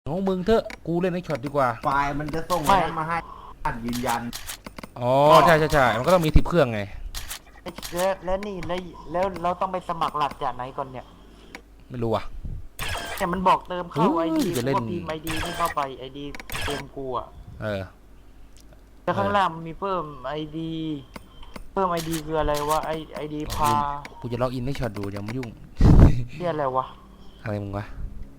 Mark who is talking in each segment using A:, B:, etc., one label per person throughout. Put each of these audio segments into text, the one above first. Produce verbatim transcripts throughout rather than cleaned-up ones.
A: ของมึงเถอะกูเล่นไอ้ช็อตดีกว่า
B: ไฟล์มันจะส่งอะไรมาให้อ่านยืนยัน
A: อ๋อใช่ใช่ใช่มันก็ต้องมีสิบเครื่องไง
C: แล้วแล้วนี่แล้วแล้วเราต้องไปสมัครหลักจากไหนก่อนเนี่ย
A: ไม่รู้อ่ะ
C: แต่มันบอกเติมเข้าไอดี
A: จะเล่น
C: พพิมพ์ไอดีนี่เข้าไปไอดีเต็มกูอ่ะ
A: เออ
C: แล้วข้างล่างมันมีเพิ่มไอดีเพิ่มไอดีคืออะไรวะไอไอดีพา
A: กูจะล็อกอินให้ช็อตดูอย่ามายุ่ง
C: เรียกอะไรวะ
A: อะไรมึงวะ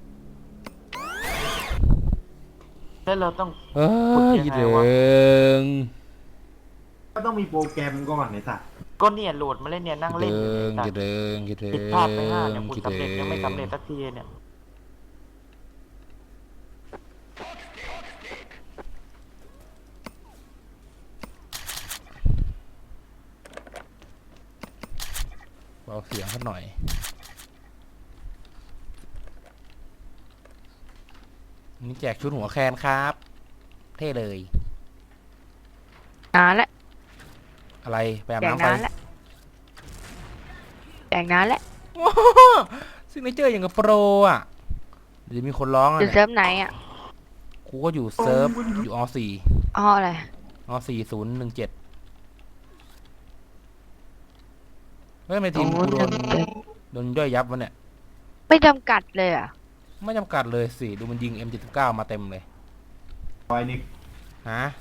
C: แล้วเราต้อง
A: เอ้ยเดิง
B: ก็ต้องมีโปรแกรมก่อนไอ้สัส
C: ก็เนี่ยโหลดมาเล่นเนี่ยนั่งเล่นอยู่เนี่ย
A: เดิงเดิง
C: ผิดพลาดไปห้าเนี่ยคุณสำเร็จยังไม่สำเร็จสักทีเนี่ย
A: เบาเสียงสักหน่อยนี่แจกชุดหัวแคนครับเท่เลย
D: นานละ
A: อะไรไปอาบน้ำไป
D: แจกนานแล้ว
A: ซึ่งไม่เจออย่างกับโปรอ่ะเดี๋ยวมีคนร้องอ่ะ
D: อยู่เซิร์ฟไหนอ่ะ
A: กูก็อยู่เซิร์ฟอยู่อสี่
D: อ๋ออะไร
A: อสี่ศูนย์หนึ่งเจ็ดเฮ้ยไม่ทีมกูโดนโดนย่อยยับวะเนี่ย
D: ไม่จำกัดเลยอ่ะ
A: ไม่จำกัดเลยสิดูมันยิง เอ็ม เจ็ดสิบเก้า มาเต็มเลย
B: ไฟนิก
A: ฮะ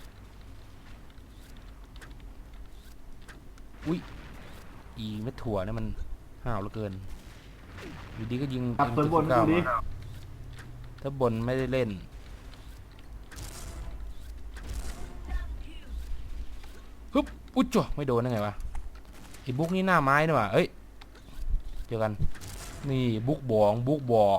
A: อุ้ยอีเม็ดถั่วเนี่ยมันห้าวเหลือเกินอยู่ดีก็ยิง
B: กลับ
A: เอ็ม
B: ส่วน
A: เจ็ด
B: บ
A: สิ
B: น
A: บเก้า
B: ดูดิ
A: มาถ้าบนไม่ได้เล่นฮึบอุ๊ยจ่ะไม่โดนได้ไงวะไอ้บุ๊กนี่หน้าไม้นี่ว่ะเอ้ยเจอกันนี่บุ๊กบองบุ๊กบอ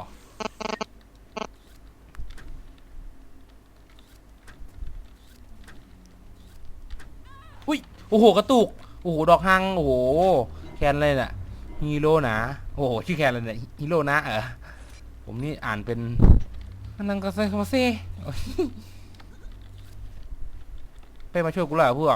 A: อุ้ยโอ้โหกระตุกโอ้โหดอกฮังโอ้โหแคนเลยน่ะฮีโร่นะโอ้โหชื่อแคนเลยเนี่ยฮีโร่นะเออผมนี่อ่านเป็นนังกาเซ่มาเซ่เป้มาช่วยกูเลยพวก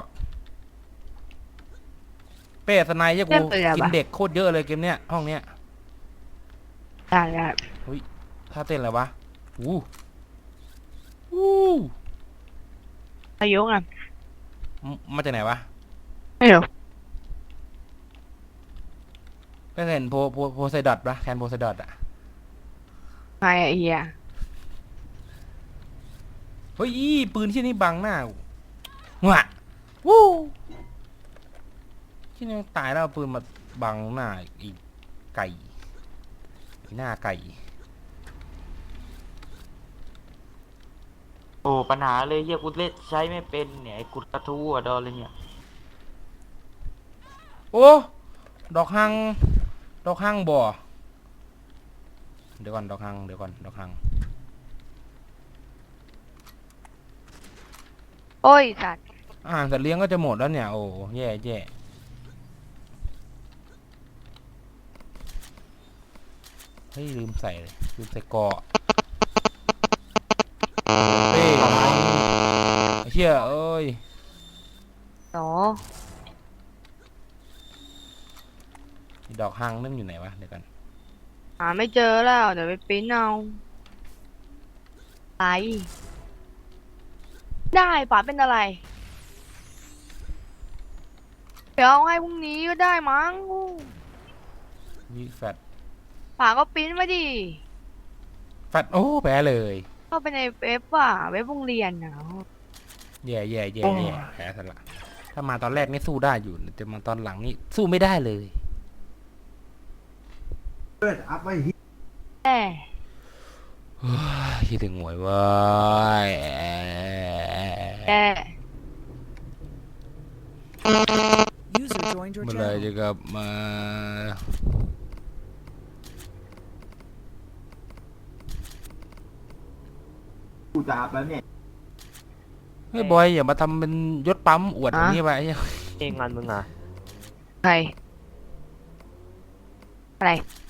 A: เป้สไนเยอะกูกินเด็กโคตรเยอะเลยเกมเนี้ยห้องเนี้ย
D: ได้ได้
A: เฮ้ยท่าเต้นอะไรวะอู้อู้
D: อายุอ่ะ
A: มาจากไหนวะ
D: ไม่รู้
A: ไม่เห็นโพโพโพไซดอทปะแทนโพไซดอทอะ
D: ไงไอ้เหี้ย
A: เฮ้ยปืนที่นี่บังหน้าหัววู้ที่นี่ตายแล้วปืนมาบังหน้าอีกไก่หน้าไก่
C: โอ้ปัญหาเลยเฮียกูเล่นใช้ไม่เป็นเนี่ยไอ้กุดกระทู้อะดอเลยเนี่ย
A: โอ้ดอกฮังดอกฮังบ่เดี๋ยวก่อนดอกฮังเดี๋ยวก่อนดอกฮัง
D: โอ้ยสัตว์
A: อาหารสัตว์เลี้ยงก็จะหมดแล้วเนี่ยโอ้แย่แย่เฮ้ยลืมใส่เลยลืมใส่เกาะเป้เชี่ยเอ้ย
D: โอ้
A: ดอกฮังนั่นอยู่ไหนวะเดี๋ยวกัน
D: หาไม่เจอแล้วเดี๋ยวไปปิ้นเอาไปได้ป๋าเป็นอะไรเดี๋ยวเอาให้พรุ่งนี้ก็ได้มั้ง
A: วิแฟต
D: ป๋าก็ปิ้นมาดิ
A: แฟตโอ้แพ้เลย
D: ก็ไปในเว็บว่ะเว็บโรงเรียนนะ
A: แย่แย่แย่แย่แพ้ซะละถ้ามาตอนแรกนี่สู้ได้อยู่แต่มาตอนหลังนี่สู้ไม่ได้เลย
B: เปิดอัพไว้ฮิ
D: แหม
A: คิดถึงหวยว่า
D: แก
A: เมื่อไรจะกลับมา
B: กูจะอัพแล้วเนี่ย
A: เฮ้ยบอยอย่ามาทำเป็นยศปั๊มอวดอย่างนี้ไป
C: เองงานมึงอ่ะ
D: ใครอะไร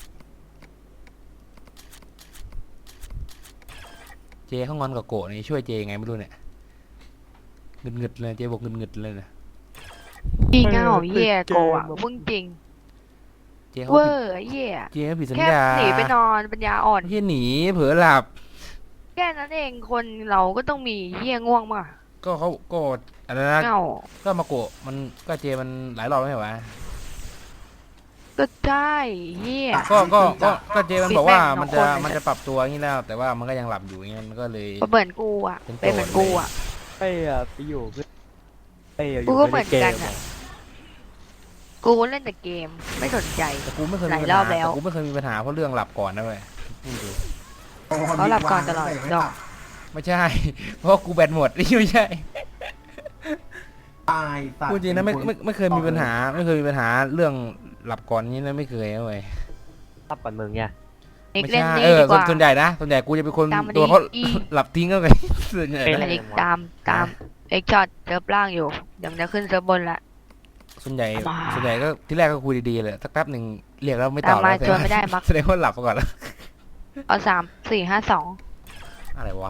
A: เจเขางอนกับโกะนี่ช่วยเจไงไม่รู้เนี่ยเงึดเงึดเลยเจบอกเงึดเงึดเลยนะ
D: จริงอ่ะเหี้ยโกะมึงจริง
A: เจเขา
D: เวอร์เหี้ย
A: เจเขาผิดสัญ
D: ญา
A: แค่
D: หนีไปนอนปัญญาอ่อน
A: เฮียหนีเผลอหลับ
D: แค่นั้นเองคนเราก็ต้องมีเหี้ยง่วงมา
A: ก็เขาก็อะไรนะ
D: เงา
A: ก็มาโกะมันก็เจมันหลายรอบแล้วไม่ใช่เหรอวะ
D: ก็ใช่เหี้ย
A: ก็ก็ก็ก็เจมันบอกว่า
D: ปิดแม่ง
A: มันจะ
D: สองคน
A: มันจะปรับตัวอย่างนี้แล้ว แต่ว่ามันก็ยังหลับอยู่อย่างเงี้ยมันก็เลย
D: ก็เหมือนกูอ่ะ
A: เป็นโจทย์
D: เป็นเหมือนกูอ่ะ
E: เป้อะไปอยู่เพื่อนเป้อะอ
D: กู
E: ยู่
D: ก็
E: ไม่
D: เหมื
E: ได้
D: อน
E: เก
D: กัน
E: ม
D: อะ
E: อะ
D: กูเล่นแต่เกมไม่สนใจ
A: แต่กูไม่เคย
D: ห
A: มี
D: ลาย
A: ปัญ
D: รอ
A: หา
D: บแล้ว
A: แต่กูไม่เคยมีปัญหาเพราะเรื่องหลับก่อนนะเว้ยพูดดู
D: เขาหลับก่อนตลอดดอก
A: ไม่ใช่ เพราะกูแบตหมด นี่ไม่ใช่
B: ตายสัตว์
A: พูดจริงนะไม่ไม่ไม่เคยมีปัญหา ไม่เคยมีปัญหาเรื่องหลับก่อนนี้นะไม่เคยนะเว้ย
E: รับก่อนมึงเนี่ย
D: อีก
A: ไม่
D: เล่น
A: ใช่
D: นี้
A: เออ
D: ดีก
A: ส่วน
D: ว่า
A: ส่วนใหญ่นะส่วนใหญ่กูจะเป็นคน
D: ตามมาดิ
A: ตัวเขา
D: อี
A: หลับทิ้งก็ไงส่วนใหญ่
E: เป็น
A: นะ
D: อันนี้ตามตามเอ็กช็อตเซิร์ฟล่างอยู่ยังจะขึ้นเซิร์ฟบนละ
A: ส่วนใหญ่
D: มา
A: ส่วนใหญ่ก็ที่แรกก็คุยดีๆเลยสักแป๊บหนึ่งเรียกแล้วไม่ต
D: ตา
A: อ
D: ม
A: บ
D: มา
A: แล้ว
D: ชวนไม่ได้มัก
A: แสดงว่าหลับไปก่อนแล้ว
D: เอาสามสี่ห้าสอง
A: อะไรวะ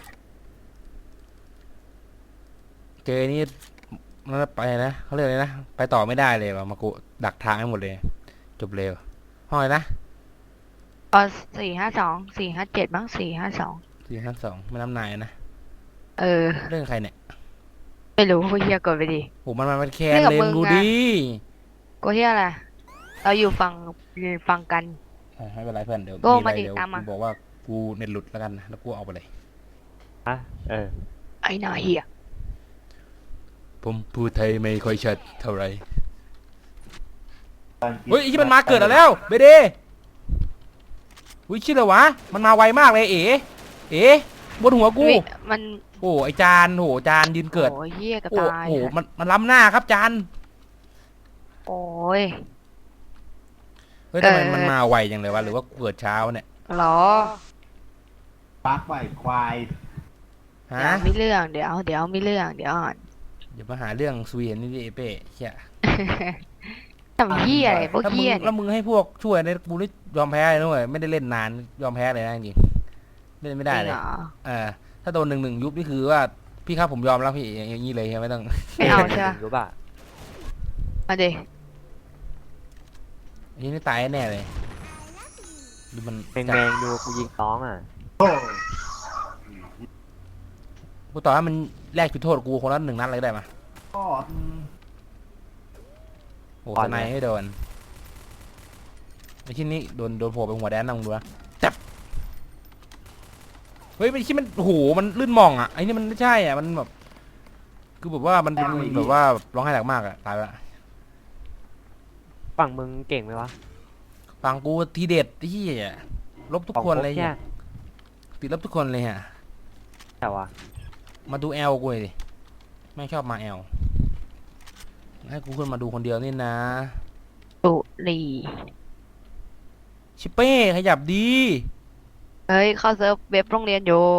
A: เจอนี่มันไปนะเขาเรียกอะไรนะไปต่อไม่ได้เลยว่ะมากูดักทางให้หมดเลย จบเร็วห้องอะไรนะ
D: เอาสี่ห้าสองสี่ห้าเจ็ดบ้างสี่ห้าสอง
A: สี่ห้าสองไม่น้ำนายนะ
D: เออ
A: เรื่องใครเนี่ย
D: ไม่รู้เฮียกดไปดิ
A: โหมันมันมันแคน
D: เรื่องกับ
A: เลน
D: มึง
A: กู
D: อะ
A: ดิ
D: กูเฮียอะไรเราอยู่ฟังฟังกัน
A: อ่ะไม่เป็นไรเพื่อนเดี๋ยว
D: โก้
A: มีอะไร
D: มาดิ
A: เดี๋ยว
D: ตามมา
A: กูบอกว่ากูเน็ตหลุดแล้วกันนะแล้วกูเอาไปเลย
E: อะเออ
D: ไอ้หนาเฮีย
A: ผมพูดไทยไม่ค่อยชัดเท่าไหร่
B: ตอนกิ
A: เฮ้ยไอ้ที่มันมาเกิดแล้วเบเดอุ้ยชื่ออะไรวะมันมาไวมากเลยเอ๋เอ๋บนหัวกู
D: วิมัน
A: โอ้ไอจานโหจานยืนเกิด
D: โอ้ยเฮียกระ
A: โอ้
D: ตาย
A: โหมันมันล้ำหน้าครับจาน
D: โอ้ย
A: เฮ้ยทำไม
D: เออ
A: มันมาไวจังเลยวะหรือว่าเกิดเช้าเนี่ย
D: เหรอ
B: ปักไว้ควาย
A: ฮะ
D: เดี๋ยวมีเรื่องเดี๋ยวเดี๋ยวมีเรื่องเดี๋ยวอ่อน
A: อย่ามาหาเรื่องสวีนนี่ดิไอ้เป้เชี่ย
D: ทำเฮียอะไรพวก
A: ถ้ามึ
D: เฮี
A: ง
D: ย
A: แล้
D: เนี่
A: วย มึงให้พวกช่วยเนี่ยกูนี่ยอมแพ้เลยนะเว้ยไม่ได้เล่นนานยอมแพ้เลยนะจริงๆเล่นไม่ได้
D: จริง
A: เลย
D: เหรอ
A: เออถ้าโดนหนึ่งหนึ่งยุบนี่คือว่าพี่ครับผมยอมแล้วพี่อย่างนี้เลยไม่ต้อง
D: ไม่เอาใช่ปะ
E: รู้ป่ะ
D: มาดิ
A: อันนี้นี่ตายแน่เลยดูมัน
E: แมงแมงดูกูยิงน้องอ่ะ
B: โอ้
A: กูต่อให้มันแลกจุดโทษกูคนละหนึ่งนัดเลยได้ไหม
B: ก็อืม
A: โอ้ทนายให้โดนไอ้ชิ้นนี้โดนโดนโผล่ไปหัวแดนนะมึงดูนะจับเฮ้ยไอ้ชิ้นมันโอ้โหมันลื่นมองอ่ะไอ้นี่มันไม่ใช่อ่ะมันแบบคือแบบว่ามันเป็นแบบว่าร้องไห้หนักมากอ่ะตายไปละ
E: ฝั่งมึงเก่งไหมวะ
A: ฟังกูทีเด็ดที่ลบทุกคนเลย
E: แค่
A: เนี่ยติดลบทุกคนเลยฮะ
E: แต่ว่า
A: มาดูแอลกูเลยดิไม่ชอบมาแอลให้กูขึ้นมาดูคนเดียวนี่นะ
D: ตุลี
A: ชิเป้ขยับดี
D: เฮ้ยเข้าเซิร์ฟเว็บโรงเรียนอยู่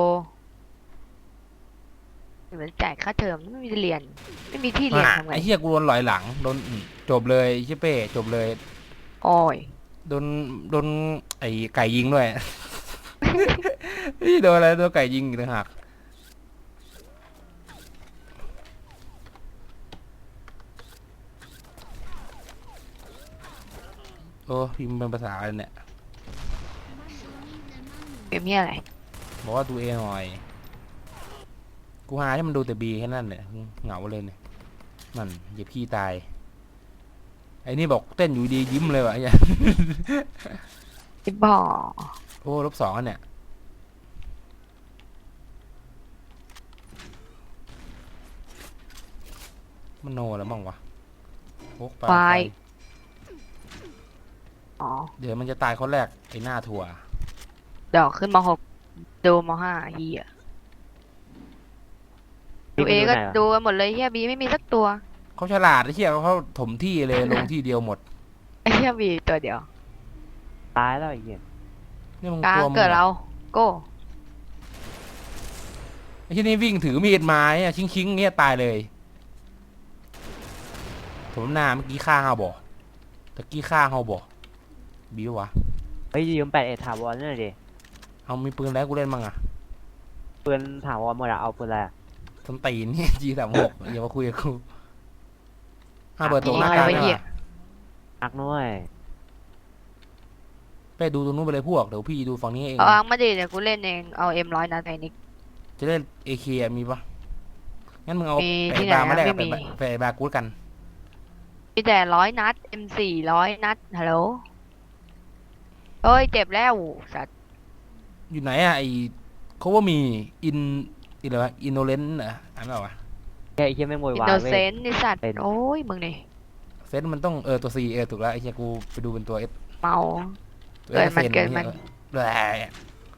D: เหมือนจ่ายค่าเทอมไม่มีเรียน ไม่มีที่เรียน
A: อ่ะ
D: ทำไง
A: ไอ้เหี้ยกูโดนหลอยหลังโดนอืมจบเลยชิเป้จบเลย
D: โอ้ย
A: โดนโดนไอ้ไก่ยิงด้วย นี่โดนอะไรโดนไก่ยิงอีกต่างหากโอ้พิมพ์เป็นภาษาอะไรเนี่ย
D: เป็นเฮียอะไร
A: บอกว่าดูเองหน่อย กูหาให้มันดูแต่บีแค่นั้นเนี่ยเหงาเลยเนี่ยนั่นเหยียบขี้ตาย ไอ้นี่บอกเต้นอยู่ดียิ้มเลยวะไอ้เหี้ย
D: ไอ้บ่อ
A: โอ้ลบสองอันเนี่ยมันโนแล้วมั้งวะโอ๊กปลา
D: ควา
A: ไฟ
D: ยอ๋อ
A: เดี๋ยวมันจะตายคนแรกไอ้หน้าถั่ว
D: ดอกขึ้นมาหกดูมาห้าเฮียดูเอก็
E: ไหนวะ
D: ดูกันหมดเลยเฮียบีไม่มีสักตัว
A: เขาฉลาดไอ้เชี่ยเขาถมที่เลย ลงที่เดียวหมด
D: ไอ้เฮียบีตัวเดียว
E: ตายแล้วไอ้เหี้ย
A: นี่มึง
D: กลาง
A: ตัวมึง
D: เกิด
A: อะ
D: เราโก้
A: ไอ้ที่นี่วิ่งถือมีดไม้อะชิงชิงๆเงี้ยตายเลยผมหน้าเมื่อกี้ฆ่าเฮาบอกตะกี้ฆ่าเฮาบอกบิววะ
E: เฮ้ยยืมแปดเอ็ดถาวรนี่หน่อยดิ
A: เอามีปืนแล้วกูเล่นมั่งอะ
E: ปืนถาวรหมดอะเอาปืนอะไรอะ
A: ส้นตีนเนี่ย จีสามหกอย่ามาคุยกับกูห้าเปิดตรงหน้า
D: อะไร
A: กลาง
D: วะ
A: ได้
D: เฮีย
A: ปะ
E: นักน้อย
A: ไปไปดูตรงนู้นไปเลยพวกเดี๋ยวพี่ดูฝั่งนี้เอง
D: เอาอังมาดิเดี๋ยวกูเล่นเองเอาเอ็มร้อยนัดไอ้นิก
A: จะเล่นเอเคมีปะงั้นมึงเอา
D: มี
A: แป
D: ที่
A: ด
D: ไหน
A: บาร์มา
D: อะ
A: แลกกับ
D: ไม่
A: แป
D: มี
A: ดแปดบาร์กูดกัน
D: มีแต่ร้อยนัดเอ็มสี่ร้อยนัดฮัลโหลเอ้ยเจ็บแล้วสัตว์
A: อยู่ไหนอะไอเขาว่ามีอินอินอะไรวะอินโนเลนเหรออ่านไม่ออกอะ
E: แค่ไอ้เหี้ยแม่งโว
D: อิ
E: ย
D: น
E: วาย
D: โน
E: เว้
D: เซ
E: ย
D: นต์นี่สัตว์
E: เป็น
D: โอ้ยมึงนี่
A: เซนมันต้องเออตัวซีเออถูกแล้วไอ้เหี้ยกูไปดูเป็นตัวเอส
D: เมา
A: ตัว
D: เกินมัน
A: เซ
D: เกินมัน
A: แหละ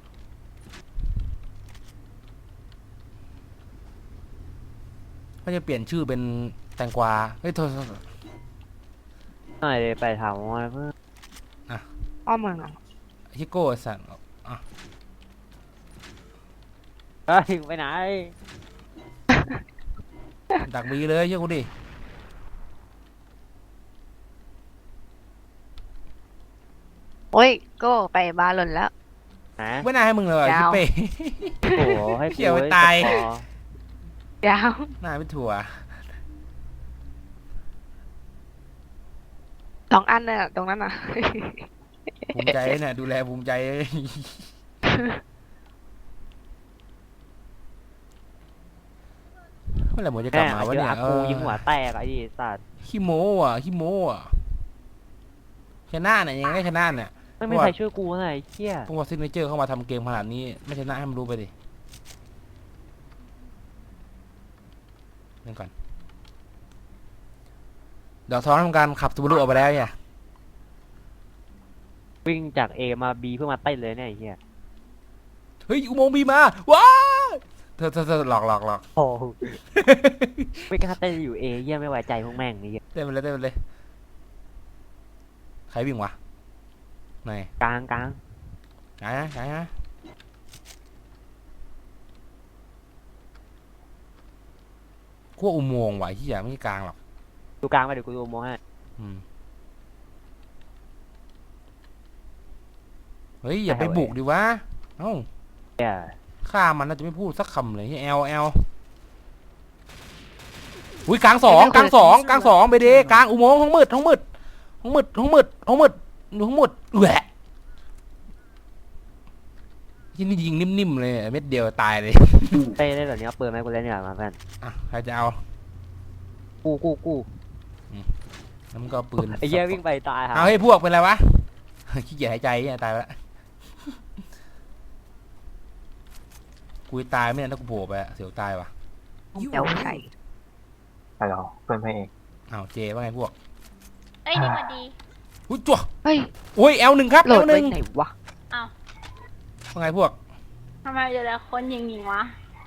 A: เขาจะเปลี่ยนชื่อเป็นแตงกวาเฮ้ยโทษโทษโทษ
E: หน่อยเลยไปถามว่าเพื่อน
D: อ้อมึงอะ
A: ฮิโก้สันอ่ะ
E: เฮ้ยไปไหน
A: ดักบีเลยเชื่อกูดิ
D: โอ้ยโก็ไปบาร์หล่นแล้ว
E: นะ
A: ไม่น่าให้มึงเลยว่ะ
D: ยาว
A: ชิเป้
E: โอ้โหให้
A: เขี่ยวไว้
E: กู
A: ตาย
E: สกอร์
D: ยาว
A: หน้าไม่ถั่ว
D: สองอันเลยอะตรงนั้นอ่ะ
A: ภูมิใจเนี่ยดูแลภูมิใจเมื่อไหร่หมดจะกลับ
E: แม่
A: มาวะ
E: เจอ
A: เนี่ย
E: อา
A: เอ
E: กู
A: อ
E: ยิงหัวแตกไอ้ดิสัตว์
A: ขี้โม้อ่ะขี้โม้อ่ะชนะเนี่ยยังไงก็ชนะเนี่ย
E: ไม่มีใครช่วยกูไงไอ้เหี้ย
A: พวกว่าซิกเนเจอร์เข้ามาทำเกมขนาดนี้ไม่ชนะให้มันรู้ไปดิเล่นก่อนเดี๋ยวท้อนทำการขับซูบารุออกไปแล้วเนี่ย
E: วิ่งจาก A มา B เพื่อมาเต้นเลยเนี่ยไอ้เหี้ย
A: เฮ้ยอุโมงค์บีมาว้าเธอเธอเธอหลอกหลอกหลอก
E: โอ้โหไม่กล้าเต้นอยู่ A เหี้ยไม่ไว้ใจพวกแม่งนี่เหี้ย
A: เต้นไปเลยเต้นไปเลยใครวิ่งวะไหน
E: กลางกลาง
A: ไหนนะไหนนะขั้วอุโมงค์ไหวที่อย่าไม่ใช่กลางหรอก
E: ดูกลางไปเดี๋ยวกูดูโมงให้
A: อืมเฮ้ยอย่าไปบุกดิวะเอ้า
E: เหี้ย
A: ฆ่ามันน่าจะไม่พูดสักคำเลยแอลแอลอุ้ยกลางสองกลางสองกลางสองไปดิกลางอุโมงค์ห้องมืดห้องมืดห้องมืดห้องมืดห้องมืดห้องมืดแหวะที่นี่ยิงนิ่มๆเลยเม็ดเดียวตายเลย
E: เต้นได้แบบนี้เอาปืนไหมกูเล่นดีกว่ามาเพื่อน
A: อ่ะใครจะเอา
E: กูกูกู
A: แล้วมันก็เอาปืน
E: ไอ้เหี้ยวิ่งไปตายฮะ
A: เอาให้พวกเป็นไรวะ ขี้เกียจหายใจเนี่ยตายไปละกูตายไม่ได้ถ้ากูโผล่ไปอะเสียวตายวะ
D: เดี๋ยวใส่
B: ฮัลโหลเพื่อนพระเอก
A: อ้าวเจว่าไงพวก
F: เอ้ยนี่มาดี
A: อุ้ยจั่ว
D: เฮ้ย
A: โอ้ยแอลหนึ่งครับ
D: โหล
A: แอ
D: ด
A: ลห
D: ไว้
A: นึ่ง
D: ไหนวะ
A: ว่าไงพวก
F: ทำไมเจอแต่คนยิงยิงวะ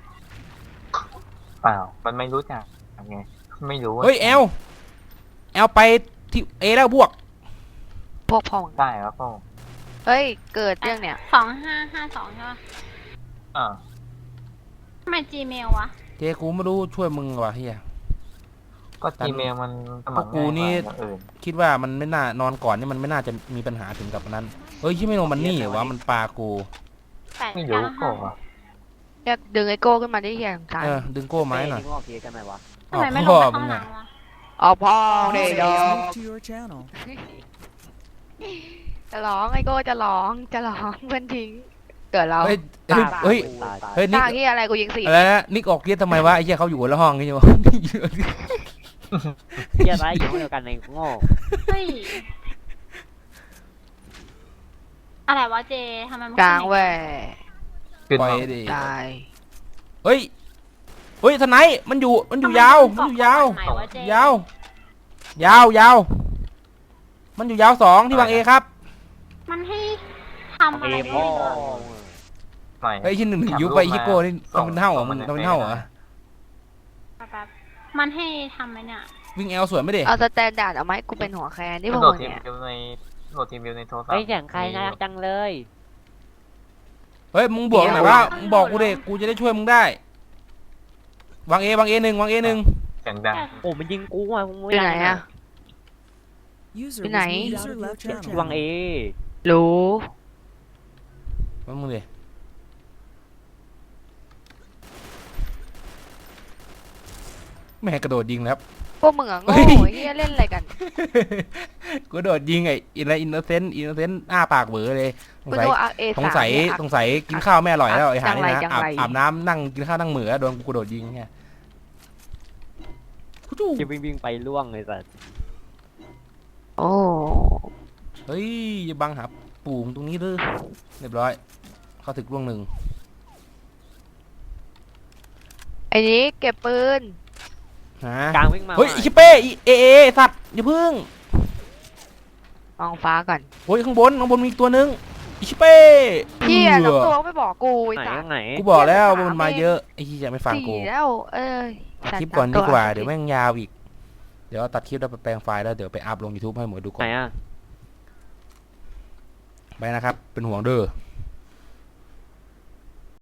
B: เปล่ามันไม่รู้จักไงไม่รู้ว่า
A: เฮ้ยแอลแอลไปที่เอแล้วพวก
D: พวกพ่อง
B: ได้ครับพ่อ
D: เฮ้ยเกิดเรื่องเนี่ย
F: สองห้าห้าสองใช่ปะ
B: อ่า
F: ทำไม Gmail วะ
A: เจกูไม่รู้ช่วยมึงว่ะเฮีย
B: ก็จีเมลมันสมัคร
A: พวกกู
B: ง่าย
A: นี่
B: กว่าอย่างอื่น
A: คิดว่ามันไม่น่านอนก่อนนี่มันไม่น่าจะมีปัญหาถึงกับนั้น เฮ้ยที่ไม่โนมันนี่เหรอวะมันปลากู
F: แปด
B: ไม่
F: เก้า
B: รู้ก็
F: ห้า
B: ว่า
D: อยากดึงไอโก้ขึ้นมาได้ยังสงสาร
A: เออดึงโก้ไม้หน่อย
E: งอกเกียกันไหมวะ
F: ทำไมไม่ล
A: พ่
F: ง
A: อ
F: ไป
A: มึ
F: ข้าง งหลั
A: อะ
F: งวะ
D: อ๋อพ่อเด็กดอก
G: Moved to your channel.
D: จะร้องไอโก้จะร้องจะร้องเพื่อนทิ้งเกิดเรา
A: เฮ้ยเฮ้ยเฮ้ย
E: ตาย
A: เฮ้ยนิ
D: ตาก ที่อะไรกูยิงสี่
A: อะไรนะนิกออกเรียกทำไมวะไอ้เหี้ยเขาอยู่คนละห้องกันอยู่
E: เหี้ยไรอยู่ห้องเดียวกันในโง่
F: เฮ้ย อะไรวะเจทำไมมัน
D: กลางเว้ย
B: ขึ้น
A: ปล่อย
B: มา
A: ดิ
D: ตาย
A: เฮ้ยเฮ้ยทนายมันอยู่มันอยู่ยาวมันอยู่ยาว
F: ทำไมวะเจ
A: ยาวยาวยาวมันอยู่ยาวสองที่วางเอครับ
F: มันให้ทำอะไร
E: เอ
F: ไม่
E: พ่อ
F: รู้
B: ใหม่
A: เฮ้ยที่หนึ่งหนึ่งยุบไปฮิโก้นี่ทำเป็นเท่าเหรอมึงทำเป็นเท่าเหรอ
F: แป๊บๆมันให้ทำไหมเนี่ย
A: วิ่งแอลสวยไม่ดิ
D: เอาสแตนดาร์ดเอาไหมกูเป็นหัวแคนที่พวก
B: โหล
D: มึ
B: ด
D: ง
B: ทีม
D: เนี่ย
B: วิวในโหลดทีมวิวในโทรศัพท์
E: ไอ้เสียงใครน่ารักจังเลย
A: เฮ้ยมึงบวกหน่อยว่ามึงบอกกูดิกูจะได้ช่วยมึงได้วางเอวางเอหนึ่งวางเอหนึ่ง
B: เสียงดัง
E: โอ้มันยิงกูอ่ะมึง
D: อ
E: ไม่
D: ยู่ไหน
E: ได้
D: อะ
G: User
D: Cái
G: was
D: này.
G: moved out of your
E: ที่
G: channel.
E: วางเอ
D: รู้
A: ว่ามึงดิแม่กระโดดยิงแล้ว
D: พวกมึงอะโง่
A: เฮ้ย
D: ไอ้เฮียเล่นอะไรกัน
A: กูโดดยิงไอ้อินอินโนเซนต์อินโนเซนต์อ้าปากเบอเลยสง
D: กู
A: สัย
D: ดูเอาเอ
A: ส
D: สาง ม
A: สัย
D: เนี่ย
A: สงสัยกินข้าวไม่อร่อยแล้วไอ้หา
D: จัง
A: นี่
D: ไร
A: นะ
D: จัง
A: อาบ
D: ไร
A: อาบน้ำนั่งกินข้าวนั่งเหมือโดนกูโดดยิงไงกูจู้
E: จะวิ่งวิ่งไปล่วงเลยสัส
D: โอ้
A: เฮ้ยอย่าบังหาปู่ตรงนี้เลยเรียบร้อย เข้าถึกล่วงหนึ่ง
D: ไอ้นี้เก็บปืน
A: ฮะ
E: กลางวิ่งมา
A: เฮ้ย
E: ว่ะ
A: อิชิเป้อีเอเอสัตว์อย่าพึ่ง
D: มองฟ้าก่อน
A: โอ้ยข้างบนข้างบนมีอีกตัวนึงอิชิเป้
D: เฮีย
A: เอ
D: น้อง
A: อ
D: ตัวไม่บอกกูไอ้
E: ไหน
D: สัต
E: ข้า
D: ว์
E: งไหน
A: กูบอกแล้วว่า
D: เหี้ย
A: มันมา
D: สามเอง
A: เยอะไอ้ที่จะไม่ฟังกู
D: สี่แล้วเอ้ย
A: คลิปก่อนดีกว่าเดี๋ยวแม่งยาวอีกเดี๋ยวตัดคลิปแล้วไปแปลงไฟล์แล้วเดี๋ยวไปอัพลง YouTube ให้หมดดูก่อ
E: ไหน
A: น
E: อ่ะ
A: ไปนะครับเป็นห่วงเด้อ